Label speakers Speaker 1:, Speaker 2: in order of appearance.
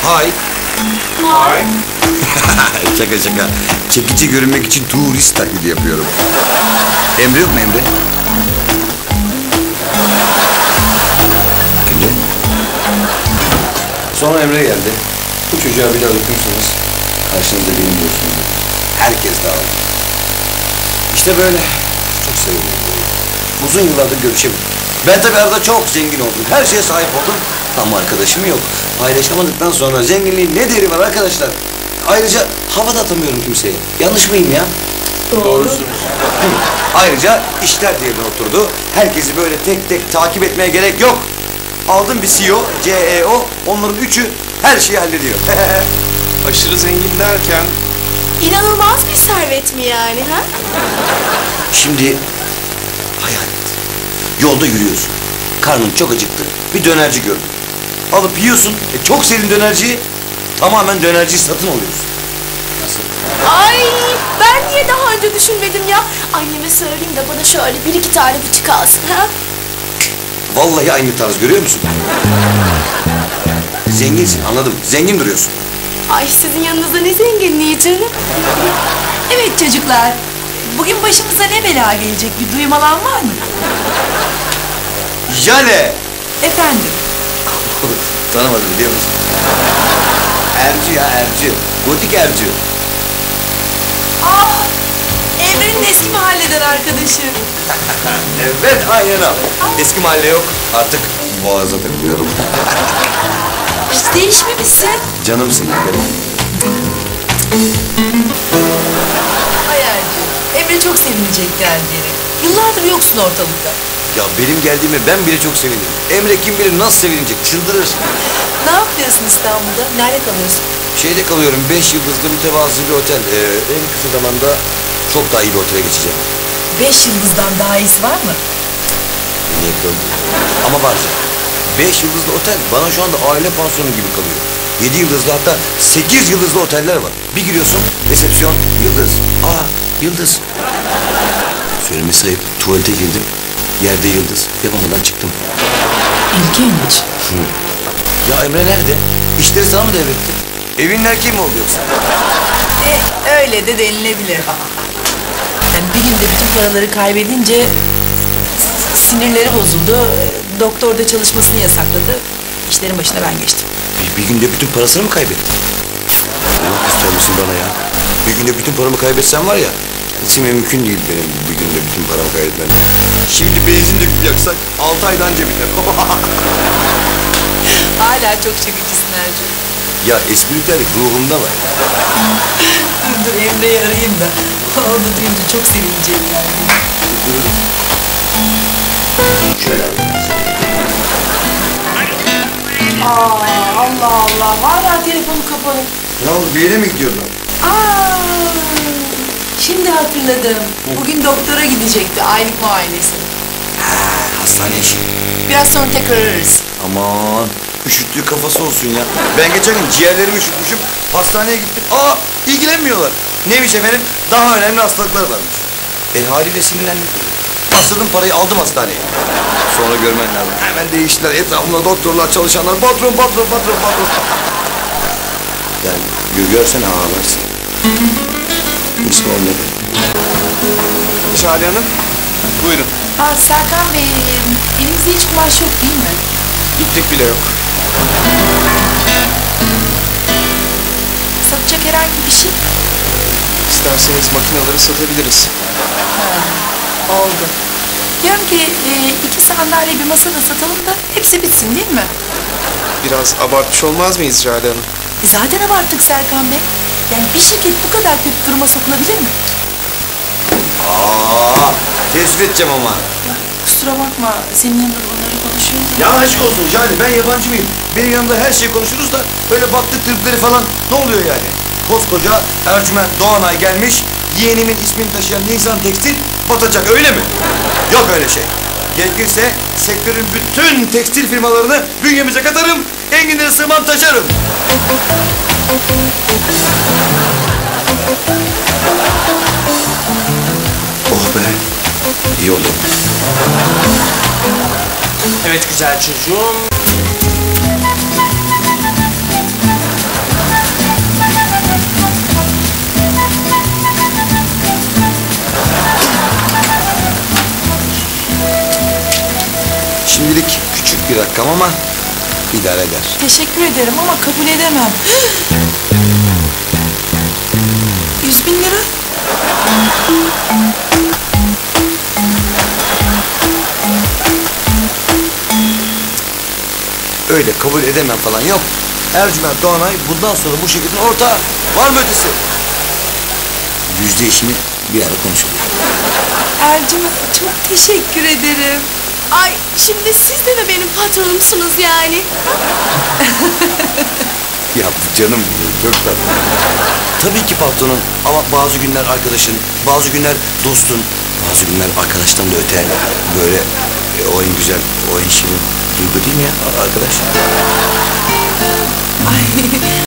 Speaker 1: Hay.
Speaker 2: Hay.
Speaker 1: Şaka şaka. Çekici görünmek için turist taklidi yapıyorum. Emre yok mu Emre? Emre? Sonra Emre geldi. Bu çocuğa bir daha dokunursanız karşınızda benim diyorsunuz. Herkes dağıldı. İşte böyle. Çok sevindim. Uzun yıllardır görüşemedim. Ben tabii arada çok zengin oldum. Her şeye sahip oldum. Ama arkadaşım yok. Paylaşamadıktan sonra zenginliğin ne değeri var arkadaşlar? Ayrıca hava da atamıyorum kimseye. Yanlış mıyım ya?
Speaker 2: Doğrusunuz.
Speaker 1: Ayrıca işler yerine oturdu. Herkesi böyle tek tek takip etmeye gerek yok. Aldım bir CEO, CEO. Onların üçü her şeyi hallediyor.
Speaker 2: Aşırı zengin derken
Speaker 3: İnanılmaz bir servet mi yani ha?
Speaker 1: Şimdi hayal et. Yolda yürüyorsun. Karnın çok acıktı. Bir dönerci gördün. Alıp yiyorsun. Çok sevdiğin dönerciyi tamamen dönerciyi satın alıyorsun. Nasıl?
Speaker 3: Ay ben niye daha önce düşünmedim ya? Anneme söyleyeyim de bana şöyle bir iki tane buçuk alsın ha?
Speaker 1: Vallahi aynı tarz, görüyor musun? Zenginsin, anladım. Zengin duruyorsun.
Speaker 3: Ay sizin yanınızda ne zenginliği canım.
Speaker 4: Evet çocuklar, bugün başımıza ne bela gelecek bir duyum alan var mı?
Speaker 1: Jale!
Speaker 4: Efendim,
Speaker 1: Tanımadım biliyor musun? Ercü ya, Ercü. Gotik Ercü.
Speaker 4: Emre'nin eski mahalleden arkadaşı.
Speaker 1: Evet, aynen öyle. Eski mahalle yok. Artık Boğaz'a takılıyorum.
Speaker 4: Hiç değişmemişsin.
Speaker 1: Canımsın ya benim.
Speaker 4: Hayalci, Emre çok sevinecek geldiğini. Yıllardır yoksun ortalıkta.
Speaker 1: Ya benim geldiğime ben bile çok sevindim. Emre kim bilir nasıl sevinecek, çıldırır.
Speaker 4: Ne yapıyorsun İstanbul'da? Nerede kalıyorsun?
Speaker 1: Şeyde kalıyorum, 5 yıldızlı mütevazı bir otel. En kısa zamanda çok daha iyi bir otele geçeceğim.
Speaker 4: 5 yıldızdan daha iyisi var mı?
Speaker 1: Niye kıldı? Ama var ya, 5 yıldızlı otel bana şu anda aile pansiyonu gibi kalıyor. 7 yıldızlı, hatta 8 yıldızlı oteller var. Bir giriyorsun, resepsiyon, yıldız. Aa, yıldız. Söylemesi ayıp, tuvalete girdim. Yerde yıldız. Yapamadan çıktım.
Speaker 4: İlginç.
Speaker 1: Ya Emre nerede? İşleri sana mı devretti? Evin erkeği mi oldu yoksa?
Speaker 4: Öyle de denilebilir. Yani bir günde bütün paraları kaybedince sinirleri bozuldu. Doktor da çalışmasını yasakladı. İşlerin başına ben geçtim.
Speaker 1: Bir günde bütün parasını mı kaybetti? Allah göstermesin bana ya. Bir günde bütün paramı kaybetsem var ya, içime mümkün değil benim bir günde bütün paramı kaybetmem. Şimdi benzin döküp yaksak 6 aydan anca biter.
Speaker 4: Hala çok çekicisin Ercü.
Speaker 1: Ya espritüellik ruhumda var.
Speaker 4: Dur Emre'yi arayayım da. Onu duyunca çok sevineceğim yani.
Speaker 1: Şöyle.
Speaker 4: Allah Allah. Hala telefonu kapalı.
Speaker 1: Ne oldu, bir yere mi gidiyordun?
Speaker 4: Şimdi hatırladım. Bugün doktora gidecekti. Aylık muayenesi.
Speaker 1: Hastane işi.
Speaker 4: Biraz sonra tekrar ararız.
Speaker 1: Aman, üşüttüğü kafası olsun ya. Ben geçen gün ciğerlerimi üşütmüşüm. Hastaneye gittim. İlgilenmiyorlar. Neymiş efendim? Daha önemli hastalıklar varmış. Haliyle sinirlendim. Bastırdım parayı, aldım hastaneye. Sonra görmen lazım. Hemen değiştiler. Etrafımda doktorlar, çalışanlar. Patron. Yani görsen ağlarsın. İsmi olmadı.
Speaker 2: Jale Hanım, buyurun.
Speaker 4: Serkan Bey, elimizde hiç kumaş yok değil mi?
Speaker 2: İplik bile yok.
Speaker 4: Satacak herhangi bir şey?
Speaker 2: İsterseniz makinaları satabiliriz.
Speaker 4: Oldu. Diyorum ki 2 sandalye bir masa da satalım da hepsi bitsin değil mi?
Speaker 2: Biraz abartmış olmaz mıyız Jale Hanım?
Speaker 4: Zaten abarttık Serkan Bey. Yani bir şirket bu kadar kötü duruma sokulabilir mi?
Speaker 1: Tespit edeceğim ama.
Speaker 4: Kusura bakma, senin yanında bunları konuşuyoruz.
Speaker 1: Ya aşk olsun Jale, ben yabancı mıyım? Benim yanımda her şeyi konuşuruz da böyle baktık tripleri falan ne oluyor yani? Koskoca Ercüment Doğanay gelmiş, yeğenimin ismini taşıyan Nisan Tekstil batacak, öyle mi? Yok öyle şey. Gerekirse sektörün bütün tekstil firmalarını bünyemize katarım, enginleri sığmam taşarım. Oh be, iyi oldu.
Speaker 5: Evet güzel çocuğum.
Speaker 1: bir rakam ama idare eder.
Speaker 4: Teşekkür ederim ama kabul edemem. 100.000 lira.
Speaker 1: Öyle kabul edemem falan yok. Ercüment Doğanay bundan sonra bu şirketin ortağı. Var mı ötesi? Yüzde işini bir ara konuşalım.
Speaker 4: Ercüment çok teşekkür ederim.
Speaker 3: Ay şimdi siz de mi benim patronumsunuz yani?
Speaker 1: Ya bu canım benim, çok tatlı. Tabii ki patronun ama bazı günler arkadaşın, bazı günler dostun, bazı günler arkadaştan da öte böyle o en güzel, o en şirin duygu değil mi ya arkadaş?
Speaker 4: Ay